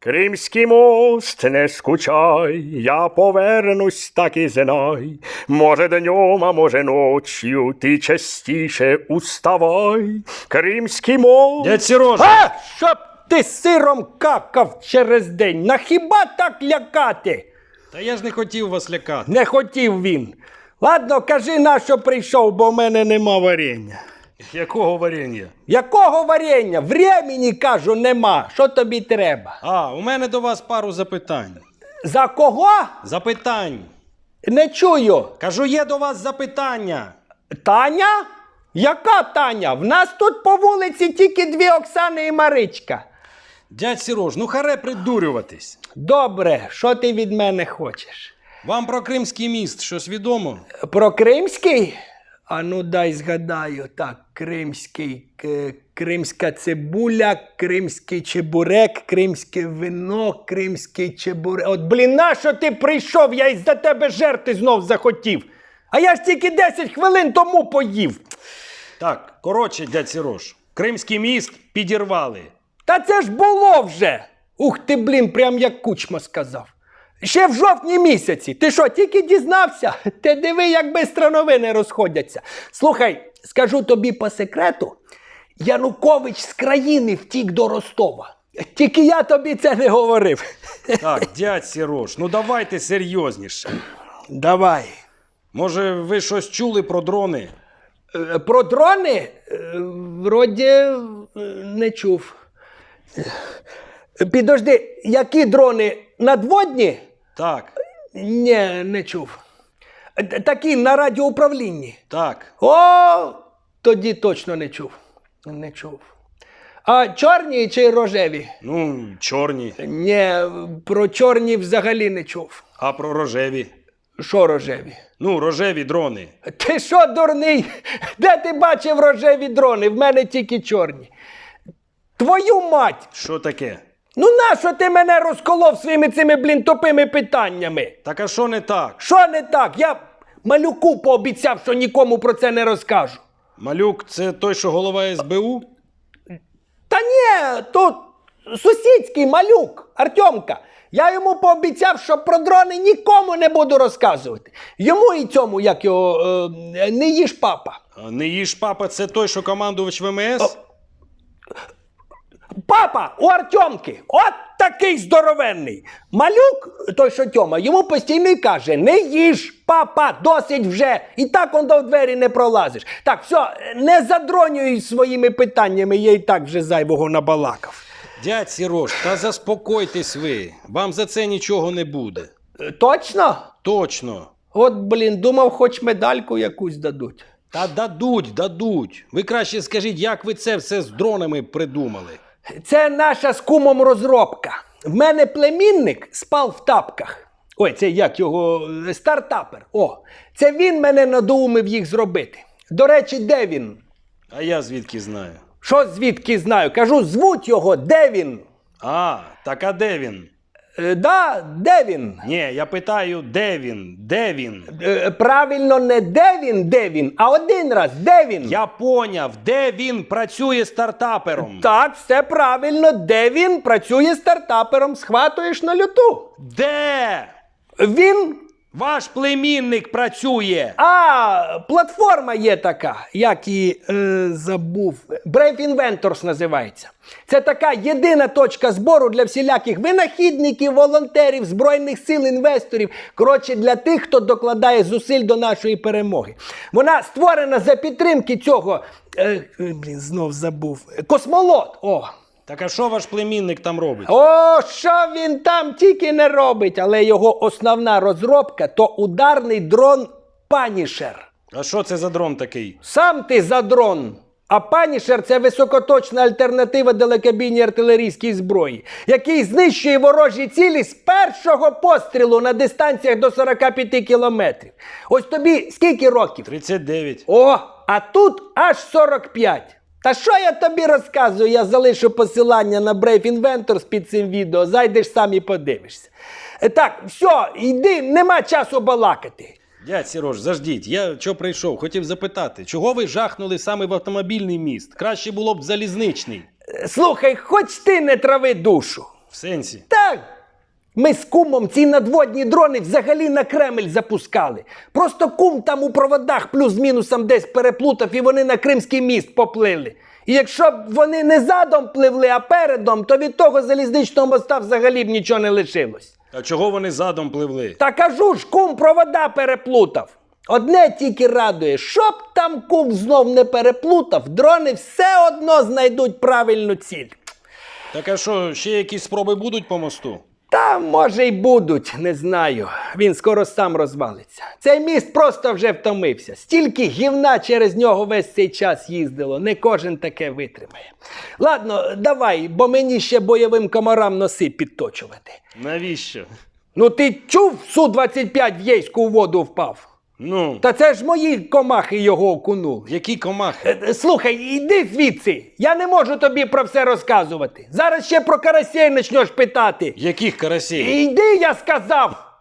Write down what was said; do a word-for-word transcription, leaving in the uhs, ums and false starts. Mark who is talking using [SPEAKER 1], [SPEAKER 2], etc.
[SPEAKER 1] Кримський мост, не скучай, я повернусь, так і знай. Може днем, а може ночью, ти частіше уставай. Кримський мост...
[SPEAKER 2] Дядь Сережа!
[SPEAKER 3] А, щоб ти сиром какав через день. На хіба так лякати?
[SPEAKER 2] Та я ж не хотів вас лякати.
[SPEAKER 3] Не хотів він. Ладно, кажи, на що прийшов, бо в мене нема варення.
[SPEAKER 2] Якого варення?
[SPEAKER 3] Якого варення? Времені, кажу, нема. Що тобі треба?
[SPEAKER 2] А, у мене до вас пару запитань.
[SPEAKER 3] За кого?
[SPEAKER 2] Запитань.
[SPEAKER 3] Не чую.
[SPEAKER 2] Кажу, є до вас запитання.
[SPEAKER 3] Таня? Яка Таня? В нас тут по вулиці тільки дві Оксани і Маричка.
[SPEAKER 2] Дядь Сереж, ну харе придурюватись.
[SPEAKER 3] Добре, що ти від мене хочеш?
[SPEAKER 2] Вам про Кримський міст щось відомо?
[SPEAKER 3] Про Кримський? А ну дай згадаю. Так, Кримський, к- кримська цибуля, кримський чебурек, кримське вино, кримський чебурек. От, блін, нащо ти прийшов? Я із-за тебе жерти знов захотів. А я ж тільки десять хвилин тому поїв.
[SPEAKER 2] Так, коротше, дядь Сереж, Кримський міст підірвали.
[SPEAKER 3] Та це ж було вже. Ух ти, блін, прям як Кучма сказав. Ще в жовтні місяці. Ти що, тільки дізнався? Ти диви, як бистро новини розходяться. Слухай, скажу тобі по секрету, Янукович з країни втік до Ростова. Тільки я тобі це не говорив.
[SPEAKER 2] Так, дядь Сереж, ну давайте серйозніше.
[SPEAKER 3] Давай.
[SPEAKER 2] Може, ви щось чули про дрони?
[SPEAKER 3] Е, Про дрони? Е, Вроді е, не чув. Е, Підожди, які дрони? Надводні?
[SPEAKER 2] Так,
[SPEAKER 3] Ні, не чув. Т- Такі на радіоуправлінні.
[SPEAKER 2] так.
[SPEAKER 3] О, тоді точно не чув. Не чув. А чорні чи рожеві?
[SPEAKER 2] Ну, чорні.
[SPEAKER 3] Ні, про чорні взагалі не чув.
[SPEAKER 2] А про рожеві?
[SPEAKER 3] Що рожеві?
[SPEAKER 2] Ну, рожеві дрони.
[SPEAKER 3] Ти що, дурний? Де ти бачив рожеві дрони? В мене тільки чорні. Твою мать!
[SPEAKER 2] Що таке?
[SPEAKER 3] Ну нащо ти мене розколов своїми цими, блін, тупими питаннями?
[SPEAKER 2] Так а що не так?
[SPEAKER 3] Що не так? Я малюку пообіцяв, що нікому про це не розкажу.
[SPEAKER 2] Малюк – це той, що голова ес бе у?
[SPEAKER 3] Та ні, тут сусідський малюк, Артемка. Я йому пообіцяв, що про дрони нікому не буду розказувати. Йому і цьому, як його, е, не їж папа.
[SPEAKER 2] А не їж папа – це той, що командувач ве ем ес?
[SPEAKER 3] Папа у Артемки, от такий здоровенний. Малюк, той що Тьома, йому постійно й каже, не їж, папа, досить вже. І так он до двері не пролазиш. Так, все, не задронюй своїми питаннями, я і так вже зайвого набалакав.
[SPEAKER 2] Дядь Сереж, та заспокойтесь ви. Вам за це нічого не буде.
[SPEAKER 3] Е, Точно?
[SPEAKER 2] Точно.
[SPEAKER 3] От, блін, думав, хоч медальку якусь дадуть.
[SPEAKER 2] Та дадуть, дадуть. Ви краще скажіть, як ви це все з дронами придумали?
[SPEAKER 3] Це наша з кумом розробка. В мене племінник спав в тапках. Ой, це як його, е, стартапер. О, це він мене надоумив їх зробити. До речі, де він?
[SPEAKER 2] А я звідки знаю?
[SPEAKER 3] Що звідки знаю? Кажу, звуть його, де він?
[SPEAKER 2] А, так а де він?
[SPEAKER 3] Е, да, де він?
[SPEAKER 2] Ні, я питаю, де він? Де він?
[SPEAKER 3] Е, правильно, не де він, де він, а один раз, де він?
[SPEAKER 2] Я поняв, де він працює стартапером?
[SPEAKER 3] Так, все правильно, де він працює стартапером, схватуєш на люту.
[SPEAKER 2] Де?
[SPEAKER 3] Він...
[SPEAKER 2] Ваш племінник працює.
[SPEAKER 3] А, платформа є така, як її е, забув. Brave Inventors називається. Це така єдина точка збору для всіляких винахідників, волонтерів, збройних сил, інвесторів. Коротше, для тих, хто докладає зусиль до нашої перемоги. Вона створена за підтримки цього, е, блін, знов забув, космолот. О.
[SPEAKER 2] Так а що ваш племінник там робить?
[SPEAKER 3] О, що він там тільки не робить, але його основна розробка – то ударний дрон Панішер.
[SPEAKER 2] А що це за дрон такий?
[SPEAKER 3] Сам ти за дрон. А Панішер – це високоточна альтернатива далекобійній артилерійській зброї, який знищує ворожі цілі з першого пострілу на дистанціях до сорока п'яти кілометрів. Ось тобі скільки років?
[SPEAKER 2] тридцять дев'ять.
[SPEAKER 3] О, а тут аж сорок п'ять. Та що я тобі розказую? Я залишу посилання на Brave Inventors під цим відео. Зайдеш сам і подивишся. Е, Так, все, йди, нема часу балакати.
[SPEAKER 2] Дядь Сереж, заждіть, я чого прийшов? Хотів запитати, чого ви жахнули саме в автомобільний міст? Краще було б залізничний.
[SPEAKER 3] Е, Слухай, хоч ти не трави душу.
[SPEAKER 2] В сенсі?
[SPEAKER 3] Так. Ми з кумом ці надводні дрони взагалі на Кремль запускали. Просто кум там у проводах плюс-мінусом десь переплутав і вони на Кримський міст поплили. І якщо б вони не задом пливли, а передом, то від того залізничного моста взагалі б нічого не лишилось.
[SPEAKER 2] А чого вони задом пливли?
[SPEAKER 3] Та кажу ж, кум провода переплутав. Одне тільки радує, щоб там кум знов не переплутав, дрони все одно знайдуть правильну ціль.
[SPEAKER 2] Так а що, ще якісь спроби будуть по мосту?
[SPEAKER 3] Та, може, й будуть, не знаю. Він скоро сам розвалиться. Цей міст просто вже втомився. Стільки гівна через нього весь цей час їздило. Не кожен таке витримає. Ладно, давай, бо мені ще бойовим комарам носи підточувати.
[SPEAKER 2] Навіщо?
[SPEAKER 3] Ну ти чув, Су двадцять п'ять в Єйську у воду впав?
[SPEAKER 2] Ну,
[SPEAKER 3] Та це ж мої комахи його окунули.
[SPEAKER 2] які комахи?
[SPEAKER 3] Е, Слухай, іди звідси. Я не можу тобі про все розказувати. Зараз ще про карасей почнеш питати.
[SPEAKER 2] Яких карасей?
[SPEAKER 3] Іди, я сказав.